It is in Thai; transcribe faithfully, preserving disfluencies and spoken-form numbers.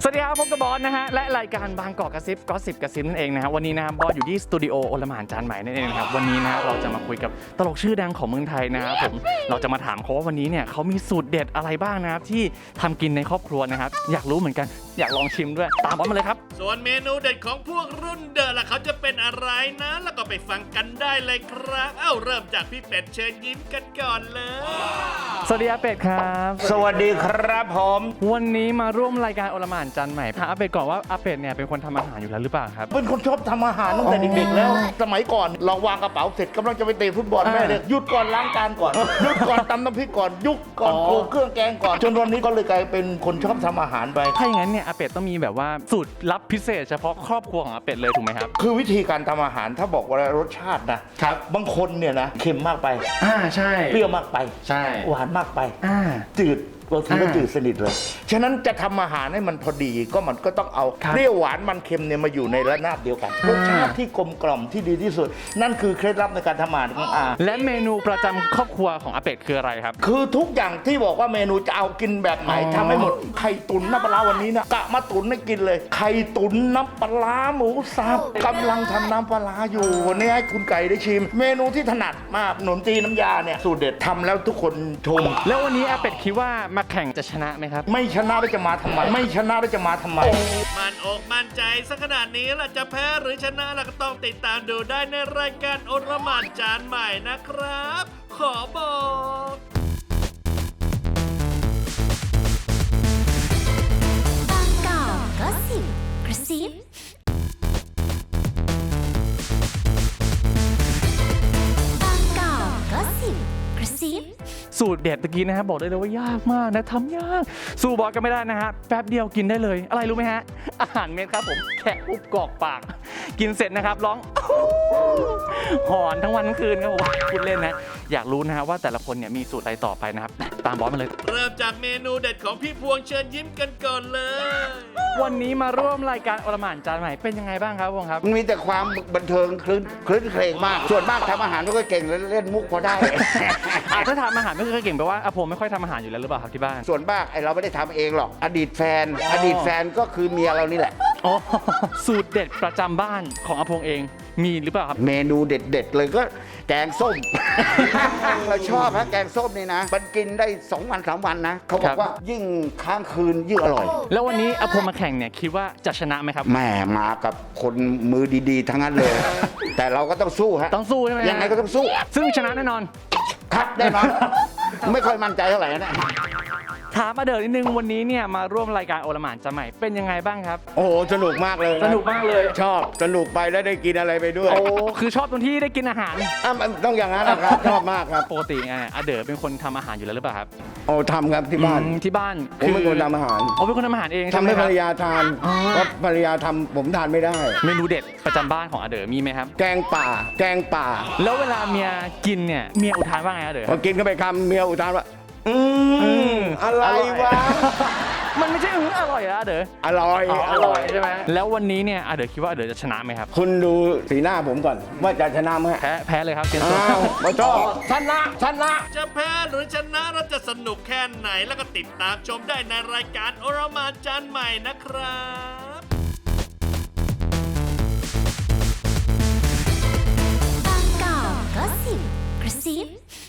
สวัสดีครับพบกับบอสนะฮะและรายการบางกอกกระซิบก็สิบกระซิบนั่นเองนะครับวันนี้นะครับบอสอยู่ที่สตูดิโอโอลหม่านจานใหม่นั่นเองครับวันนี้นะเราจะมาคุยกับตลกชื่อดังของเมืองไทยนะครับผมเราจะมาถามเขาว่าวันนี้เนี่ยเขามีสูตรเด็ดอะไรบ้างนะครับที่ทำกินในครอบครัวนะครับอยากรู้เหมือนกันอยากลองชิมด้วยตามบอสมาเลยครับส่วนเมนูเด็ดของพวกรุ่นเดอะล่ะเขาจะเป็นอะไรนะแล้วก็ไปฟังกันได้เลยครับเอ้าเริ่มจากพี่เป็ดเชิญยิ้มกันก่อนเลยสวัสดีอาเป็ดครับสวัสดีครับผมวันนี้มาร่วมรายการโอลหม่านจานใหม่ถามอาเป็ดก่อนว่าอาเป็ดเนี่ยเป็นคนทำอาหารอยู่แล้วหรือเปล่าครับเป็นคนชอบทำอาหารตั้งแต่เด็กๆแล้วสมัยก่อนเราวางกระเป๋าเสร็จกำลังจะไปเตะฟุตบอลแม่เลยหยุดก่อนล้างจานก่อนหยุดก่อนตำน้ำพริกก่อนยุกก่อนโขลกเครื่องแกงก่อนจนวันนี้ก็เลยกลายเป็นคนชอบทำอาหารไปถ้าอย่างนั้นเนี่ยอาเป็ดต้องมีแบบว่าสูตรลับพิเศษเฉพาะครอบครัวของอาเป็ดเลยถูกไหมครับคือวิธีการทำอาหารถ้าบอกว่ารสชาตินะครับบางคนเนี่ยนะเค็มมากไปอ่าใช่เปรี้ยวมากไปใช่หวานมากไปอ่าจืดบางทีก็จืดสนิทเลยฉะนั้นจะทำอาหารให้มันพอดีก็มันก็ต้องเอาเปรี้ยวหวานมันเค็มเนี่ยมาอยู่ในระนาบเดียวกันรสชาติที่กลมกล่อมที่ดีที่สุดนั่นคือเคล็ดลับในการทำอาหารของอาและเมนูประจำครอบครัวของอาเป็ดคืออะไรครับคือทุกอย่างที่บอกว่าเมนูจะเอากินแบบไหนทำให้หมดไข่ตุ๋นน้ำปลาวันนี้นะกะมาตุ๋นให้กินเลยไข่ตุ๋นน้ำปลาหมูสับกำลังทำน้ำปลาอยู่วันนี้ให้คุณไก่ได้ชิมเมนูที่ถนัดมากขนมจีนน้ำยาเนี่ยสูตรเด็ดทำแล้วทุกคนชมแล้ววันนี้อาเป็ดคิดว่ามาแข่งจะชนะไหมครับไม่ชนะแล้วจะมาทำไมไม่ชนะแล้วจะมาทำไมมันอกมั่นใจสักขนาดนี้ล่ะจะแพ้หรือชนะล่ะก็ต้องติดตามดูได้ในรายการโอลหม่านจานใหม่นะครับขอบอกบางกอกก็สิบกระซิบางกอกก็สิบกระซิบสูตรเด็ดตะกี้นะฮะบอกได้เลยว่ายากมากนะทำยากสู้บอสก็ไม่ได้นะฮะแป๊บเดียวกินได้เลยอะไรรู้ไหมฮะอาหารเม็ดครับผมแค่อุบกรอกปากกินเสร็จนะครับร้องหอนทั้งวันทั้งคืนครับผมพูดเล่นนะอยากรู้นะฮะว่าแต่ละคนเนี่ยมีสูตรอะไรต่อไปนะครับตามบอสมาเลยเริ่มจากเมนูเด็ดของพี่พวงเชิญยิ้มกันก่อนเลยวันนี้มาร่วมรายการโอลหม่านจานใหม่เป็นยังไงบ้างครับพวงครับมันมีแต่ความบันเทิงคลื่นคลื่นเพลงมากส่วนมากทำอาหารไม่ค่อยเก่งเล่นมุกพอได้ถ้าทำอาหารไม่ค่อยเก่งแปลว่าอาผมไม่ค่อยทำอาหารอยู่แล้วหรือเปล่าครับที่บ้านส่วนมากไอเราไม่ได้ทำเองหรอกอดีตแฟนอดีตแฟนก็คือเมียเรานี่แหละอ๋อสูตรเด็ดประจำบ้านของอาพงเองมีหรือเปล่าครับเมนูเด็ดๆเลยก็แกงส้มเราชอบนะแกงส้มนี่นะมันกินได้สองวันสามวันนะเขาบอกว่ายิ่งค้างคืนยิ่งอร่อยแล้ววันนี้อาพงมาแข่งเนี่ยคิดว่าจะชนะไหมครับแม่มากับคนมือดีๆทั้งนั้นเลยแต่เราก็ต้องสู้ฮะต้องสู้ใช่ไหมยังไงก็ต้องสู้ซึ่งชนะแน่นอนครับแน่นอนไม่ค่อยมั่นใจเท่าไหร่นะถามมาเดินนิดนึงวันนี้เนี่ยมาร่วมรายการโอลหม่านจานใหม่เป็นยังไงบ้างครับโอ้โหสนุกมากเลยสนุกมากเลยชอบสนุกไปแล้วได้กินอะไรไปด้วยโอ้คือชอบตรงที่ได้กินอาหารอ่ะต้องอย่างนั้นนะครับชอบมากครับปกติไงอาเด๋อเป็นคนทำอาหารอยู่แล้วหรือเปล่าครับโอ้ทำครับที่บ้านที่บ้านผมเป็นคนทำอาหารอ๋อเป็นคนทำอาหารเองทำให้ภรรยาทานเพราะภรรยาทำผมทานไม่ได้เมนูเด็ดประจำบ้านของอาเด๋อมีไหมครับแกงป่าแกงป่าแล้วเวลาเมียกินเนี่ยเมียอุทานว่าไงอาเด๋อพอกินเข้าไปคำเมียอุทานว่าอืมอะไรวะมันไม่ใช่อืออร่อยนะเด๋ออร่อยอร่อยใช่ไหมแล้ววันนี้เนี่ยอาเด๋อคิดว่าอาเด๋อจะชนะไหมครับคุณดูสีหน้าผมก่อนว่าจะชนะไหมแพ้แพ้เลยครับเกมอ้าวมาชอบชนะชนะจะแพ้หรือชนะเราจะสนุกแค่ไหนแล้วก็ติดตามชมได้ในรายการโอลหม่านจานใหม่นะครับบางกอกก็สิบกระซิบ